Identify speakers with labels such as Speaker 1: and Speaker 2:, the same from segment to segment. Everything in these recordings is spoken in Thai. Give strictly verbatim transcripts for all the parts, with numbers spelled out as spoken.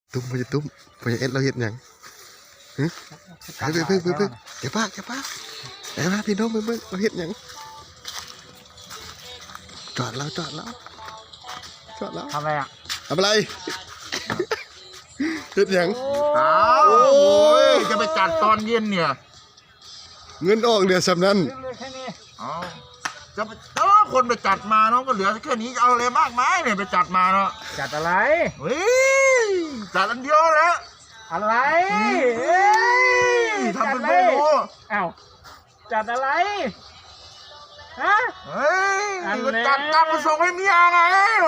Speaker 1: ตุ้มพอจะตุ้มพอจะเอ็ดเราเห็นยังฮึไปไปไปไปเดี๋ยวป้าเดี๋ยวป้าเดี๋ยวป้าพี่น้องไปเบิ่งเราเห็นยังจอดแล้วจอดแล้วจอดแล้ว
Speaker 2: ทำอะไรอ่ะ
Speaker 1: ทำอะไรเห็นยัง
Speaker 3: อ้าวโอ้ยจะไปจัดตอนเย็นเนี่ย
Speaker 1: เงินออกเดือนสำนั้น
Speaker 2: แค่นี้
Speaker 3: อ๋อจะไปแต่ว่าคนไปจัดมาเนาะก็เหลือแค่นี้จะเอาอะไรมากมายเนี่ยไปจัดมาเนาะ
Speaker 2: จัดอะไร
Speaker 3: เฮ้ยจัดอันเดียวแล้ว
Speaker 2: อะไร
Speaker 3: เฮ้ยทำเป็นไม่รู้
Speaker 2: อ้าวจัดอะไรฮะ
Speaker 3: เฮ้ยก็จัดตังมาส่งให้เมียไง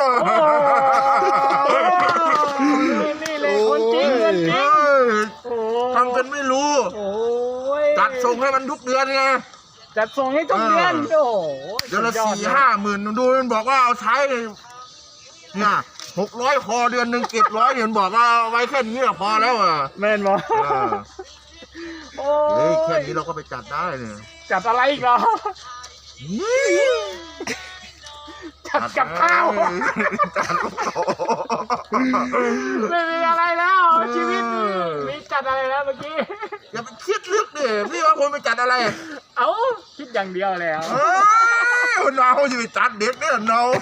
Speaker 2: นี่เลยคนจริงคนจริง
Speaker 3: ทำเป็นไม่รู้จัดส่งให้มันทุกเดือนไง
Speaker 2: จัดส่งให้ทุกเดือนโอ้
Speaker 3: เดือนละสี่ห้าหมื่นดูมันบอกว่าเอาใช้เนี่ยหกร้อยคอเดือนหนึ่งเก็บร้อยเดือนบอกว่าไว้แค่นี้ก็พอแล้วอ่ะ
Speaker 2: แม่นบอก
Speaker 3: โอ้ยแค่นี้เราก็ไปจัดได้เนี่ย
Speaker 2: จัดอะไรอีกเหรอจัดกับข้าว
Speaker 3: จัดกับข้าว
Speaker 2: ไม่มีอะไรแล้วชีวิตมีจัดอะไรแล้วเมื่อกี้
Speaker 3: อย่าไปคิดลึกดิพี่ว่าคนไปจัดอะไร
Speaker 2: เอ้าคิดอย่างเดียวแล้ว
Speaker 3: คนเราจะไปจัดเด็กเนี่ยเนา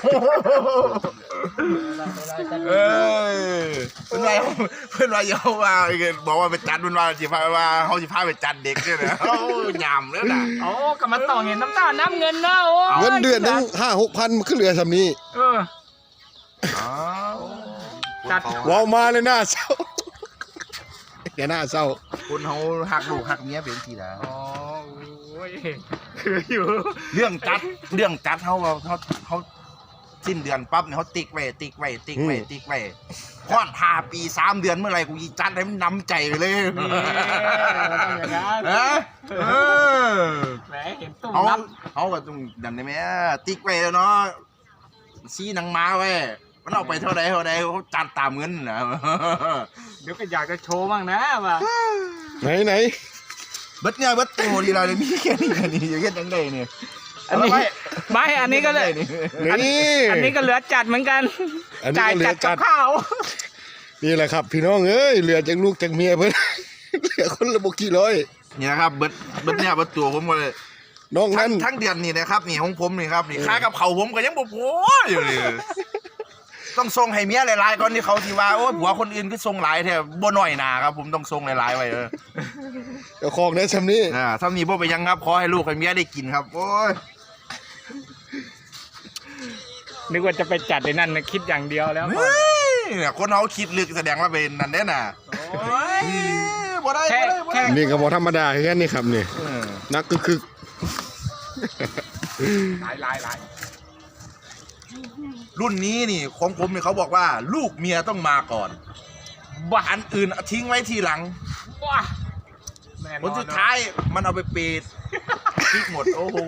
Speaker 3: เอ้ยเป็นไรเป็นไรเยาว่าบอกว่าไปจัดเป็นว่าจีพาว่าเขาจีพาไปจัดเด็กเนี่ยนะเขาหยำแล้วนะ
Speaker 2: โอ้กำมาต่อเงินน้ำตาน้ำเงินเนาะ
Speaker 1: เงินเดือนตั้งห้าหกพันมันขึ้นเหลือสำนี้
Speaker 2: เออ
Speaker 1: จัดว้าวมาเลยหน้าเศร้าแกหน้าเศร้า
Speaker 3: คนเขาหักลูกหักเมียเป็นทีละ
Speaker 2: อ๋อโอ้ยคืออยู่
Speaker 3: เรื่องจัดเรื่องจัดเขาเขาเขาสิ้นเดือนปั๊บเนี่ยเขาติ๊กไว้ติ๊กไว้ติ๊กไว้ติ๊กไว้พอดทาปีสามเดือนเมื่อไรกูจัดให้มันน้ำใจเลย
Speaker 2: แหมเห็นตุ้ม
Speaker 3: เขาเขาก็ต้องดันได้ไหมติ๊กไว้แล้วเนาะซีนังม้าไว้มันเอาไปเท่าไรเท่าไรเขาจัดตามเงินนะ
Speaker 2: เดี๋ยวก็อยากจะโชว์บ้างนะว่า
Speaker 1: ไหนไหน
Speaker 3: เบิดเนี่ยเบิดโตดีเราเลยมีแค่นี้แค่นี้อย่างเงี้ยจังเลยเนี่ย
Speaker 2: อันนี้ไม่อันนี้ก็เลยนี่อันนี้ก็เหลือจัดเหมือนกันจ่ายจัดกับข้าว
Speaker 1: นี่แหละครับพี่น้องเอ้ยเหลือจากลูกจากเมียเพิ่นเหลือคนละบกี่ร้อย
Speaker 3: นี่นะครับเบิดเบิดเนี่ยเบิดตัวผมหมดเลย
Speaker 1: น้องนั้น
Speaker 3: ทั้งเดือนนี่นะครับนี่ของผมนี่ครับนี่ค่ากับเขาผมก็ยังบ่พออยู่เลยต้องส่งให้เมียหลายๆก่อนที่เขาที่ว่าโอ้ผัวคนอื่นก็ส่งหลายแท้บ่น้อยหนาครับผมต้องส่งหลายๆไว้เออ
Speaker 1: เดี๋ยวของได้ซ้ำนี้
Speaker 3: อ่าซ้ำนี้บ่ไปยังครับขอให้ลูกให้เมียได้กินครับโอ้ย
Speaker 2: นึกว่าจะไปจัดในนั่นคิดอย่างเดียวแล้ว
Speaker 3: เนี่ยคนเขาคิดลึกแสดงว่าเป็นนั่นแน่น่ะบ่ได้บ่ได้
Speaker 1: นี่ก็บ่ธรรมดาแค่นี้ครับนี่นักคือคือ
Speaker 2: หลายหลายหลาย
Speaker 3: รุ่นนี้นี่ของผมเนี่ยเขาบอกว่าลูกเมียต้องมาก่อนบ้านอื่นทิ้งไว้ทีหลังว้าผลสุดท้ายมันเอาไปเปดทิ้งหมดโอ้โห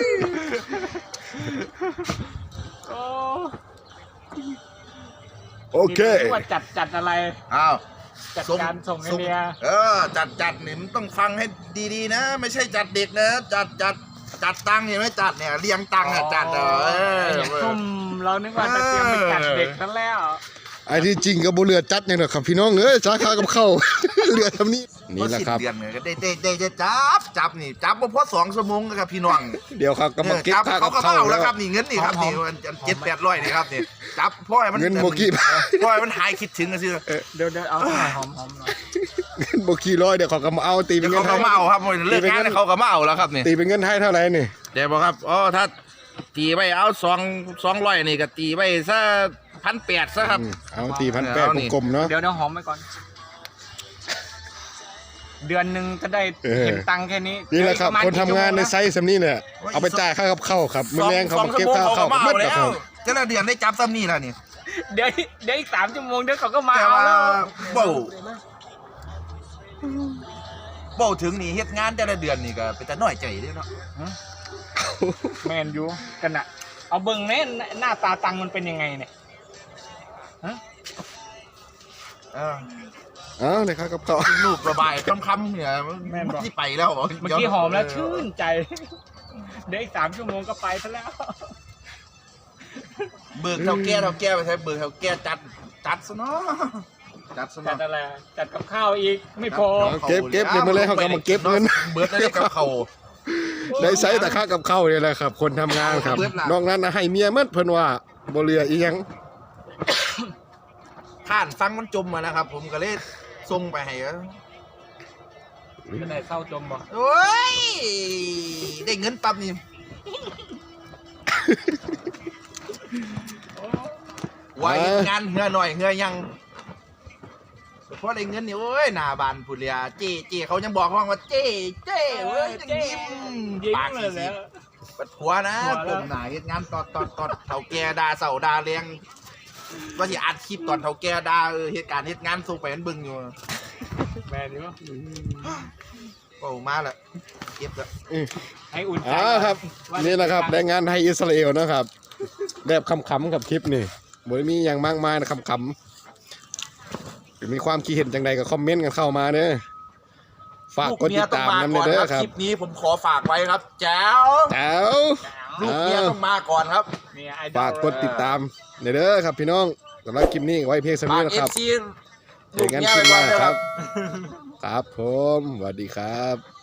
Speaker 1: โอเค
Speaker 2: ว่าจัดจัดอะไร
Speaker 3: อ้าว
Speaker 2: จัดการส่งให้เมีย
Speaker 3: เออจัดจัดนี่มันต้องฟังให้ดีๆนะไม่ใช่จัดเด็กนะจัดจัดจัดตังค์เนี่ยไม่จัดเนี่ยเลี้ยงตังค์เนี่ยจัดเออ
Speaker 2: ซุ่มเรานึกว่าจะเตรียมไปจัดเด็กนั่นแล้ว
Speaker 1: ไอ้ที่จริงกับบุเรือจัดเนี่ยนะครับพี่น้องเอ้ยสาขากับเข้าเรือทำนี้นี่แหละครับ
Speaker 3: เดือนเนี่ยได้ได้ได้จับจับนี่จับมาพอสองชั่วโมงครับพี่น้อง
Speaker 1: เดี๋ยวครับก็มาเก็บค่ากับเข้า
Speaker 3: แล้วครับนี่เงินนี่ครับนี่เจ็ดแปดร้อยนี่ครับนี่จับพ่อมัน
Speaker 1: เงินโมกี้
Speaker 3: พ่อมันหายคิดถึงกันสิ
Speaker 2: เดี๋ยวเดี๋ยวเอาหอมหอมหน่อย
Speaker 1: เงินโมกี้ร้อยเดี๋ยวเขาก็มาเอาตีเป็นเงิน
Speaker 3: เขาก็มาเอาครับเลิกงานเขาก็มาเอาแล้วครับนี่
Speaker 1: ตีเป็นเงินให้เท่าไหร่นี่
Speaker 3: เดี๋ยวบอกครับอ๋อถ้าตีไปเอาสองสองร้อยนี่ก็ตีไปซะพันแปดซะครับ
Speaker 1: เอาตีพันแปดกลมๆเนาะ
Speaker 2: เดี๋ยวเดี๋ยวหอมไปก่อนเดือนหนึ่งจะได้เห็นตังค์แค่นี้
Speaker 1: นี่แหละครับคนทำงานในไซส์สำนี้เนี่ยเอาไปจ่ายค่ากับข้าวครับมือแรงเขามาเก็บค่าข้าว
Speaker 3: ก็ไม่แล้วจะละเดือนได้จับซ้ำนี่แล้วนี่
Speaker 2: เดี๋ยวเดี๋ยวอีกสามชั่วโมงเดี๋ยวเขาก็มาเอาแล้ว
Speaker 3: เบ่าเบ่าถึงนี่เฮ็ดงานแต่ละเดือนนี่ก็เป็นแต่น้อยใจเด้เนาะ
Speaker 2: แมนยูกันอะเอาเบิ่งเนี่ยหน้าตาตังมันเป็นยังไงเนี่ยฮะ
Speaker 3: เออ
Speaker 1: เอ้าเลยครับกับเขา
Speaker 3: ลูกระบายคำๆเนี่ยที่ไปแล้ว
Speaker 2: เมื่อกี้หอมแล้วชื่นใจเดี๋ยวอีกสามชั่วโมงก็ไปซะแล้ว
Speaker 3: เบิกเท่าแก่เท่าแก่ไปใช้เบิกเท่าแก่จัดจัดซะเนาะจัดส
Speaker 2: จั
Speaker 3: นั
Speaker 2: ด
Speaker 3: บ
Speaker 2: อะไรจัดกับข้าวอีกไม่พอ
Speaker 1: เก็บเก็บเดี๋ยวมาเลยเขาก็มาเก็บเงิน
Speaker 3: เบิร์ดได้กับเขา
Speaker 1: ได้ใช้แต่ค่ากับข้าวนี่แหละครับ คนทำงานครับ
Speaker 3: เบิดล่ะ
Speaker 1: นอกนั้นนะให้เมียมัดเพิ่นว่าบ่เหลืออีหยัง
Speaker 3: ท่านฟังมันจมมานะครับ ผมก็เลยส่งไปให้
Speaker 2: จะได้เศร้าจมบ่
Speaker 3: โอ้ยได้เงินปั๊บนี่ไว้งานเหือหน่อยเหือยังเพราะได้เงินนี่โอ้ยหน้าบานผู้เลียเจ๊เจ๊เขายังบอกห้องว่าเจ๊เจ๊เว้ยยังยิ้ม
Speaker 2: ยิ้ม
Speaker 3: ปาก
Speaker 2: เล
Speaker 3: สี
Speaker 2: ย
Speaker 3: สี
Speaker 2: แล้ว
Speaker 3: ปัดหัวนะ
Speaker 2: หัวแล้ว
Speaker 3: ผมหนาเฮ็ดงานตอดตอดตอดเฒ่าแก่ด่าเสาด่าเลี้ยงว่าสิอัดคลิปตอนเฒ่าแก่ด่าเออเหตุการณ์เหตุงานส่งไปมันเบิ่งอยู่
Speaker 2: แมนอยู่
Speaker 3: โอ้มาละเก็บละ
Speaker 2: ให้อุ่นใจ
Speaker 1: อ่าครับ นี่แหละครับแรงงานไทยอิสราเอลนะครับแบบคำๆกับคลิปนี่บ่ได้มีอย่างมากมายนะคำๆมีความคิดเห็นจังใดก็คอมเมนต์กันเข้ามาเด้อฝากกดติดตามนำเด้อครับ
Speaker 3: คลิปนี้ผมขอฝากไว้ครับแจ๋ว
Speaker 1: แจ๋ว
Speaker 3: ลูกเมียต้องมาก่อนครับ
Speaker 2: เนี่ยไอดอล
Speaker 1: ฝากกดติดตามเด้อครับพี่น้องสำหรับคลิปนี้ไว้เพียงเท่า
Speaker 3: ฝา
Speaker 1: นี้
Speaker 3: ก
Speaker 1: นะ
Speaker 3: เอ
Speaker 1: ครั
Speaker 3: ฟ
Speaker 1: บ
Speaker 3: ซี
Speaker 1: เจอกันคลิปหน้าครับ ครับผมสวัสดีครับ